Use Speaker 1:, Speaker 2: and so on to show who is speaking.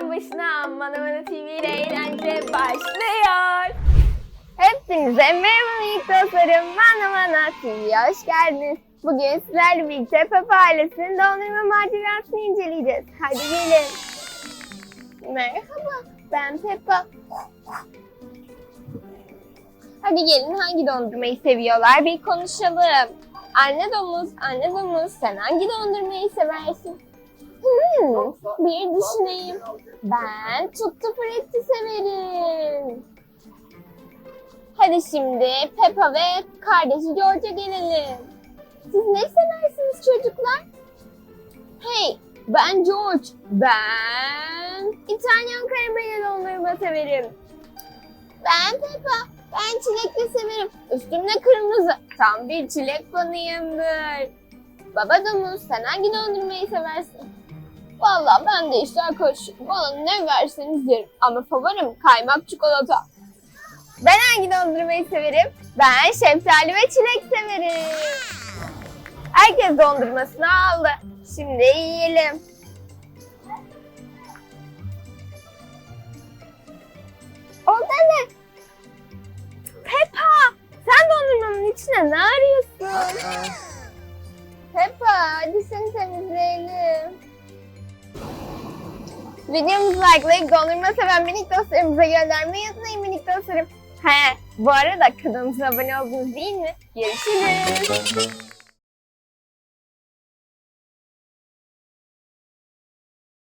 Speaker 1: ekran başına Manamana TV ile eğlence başlıyor. Hepinize merhaba minik dostlarım. Manamana TV'ye hoş geldiniz. Bugün sizlerle birlikte Peppa ailesinin dondurma macerasını inceleyeceğiz. Hadi gelin. Merhaba, ben Peppa. Hadi gelin, hangi dondurmayı seviyorlar bir konuşalım. Anne domuz, sen hangi dondurmayı seversin? Bir düşüneyim. Ben Tutti Frutti severim. Hadi şimdi Peppa ve kardeşi George'a gelelim. Siz ne seversiniz çocuklar? Hey, ben George. Ben İtalyan karamele dondurma severim. Ben Peppa. Ben çilekli severim. Üstümde kırmızı. Tam bir çilek fanıyımdır. Baba domuz, sen hangi dondurmayı seversin? Vallahi ben de işler karışık. Bana ne verseniz yerim. Ama favorim kaymak çikolata. Ben hangi dondurmayı severim? Ben şeftali ve çilek severim. Herkes dondurmasını aldı. Şimdi yiyelim. O da ne? Peppa! Sen dondurmanın içine ne arıyorsun? Peppa, hadi seni temizleyelim. Videomuzu likelayıp dondurma seven minik dostlarımıza göndermeyi unutmayın minik dostlarım. Bu arada kanalımıza abone oldunuz değil mi? Görüşürüz.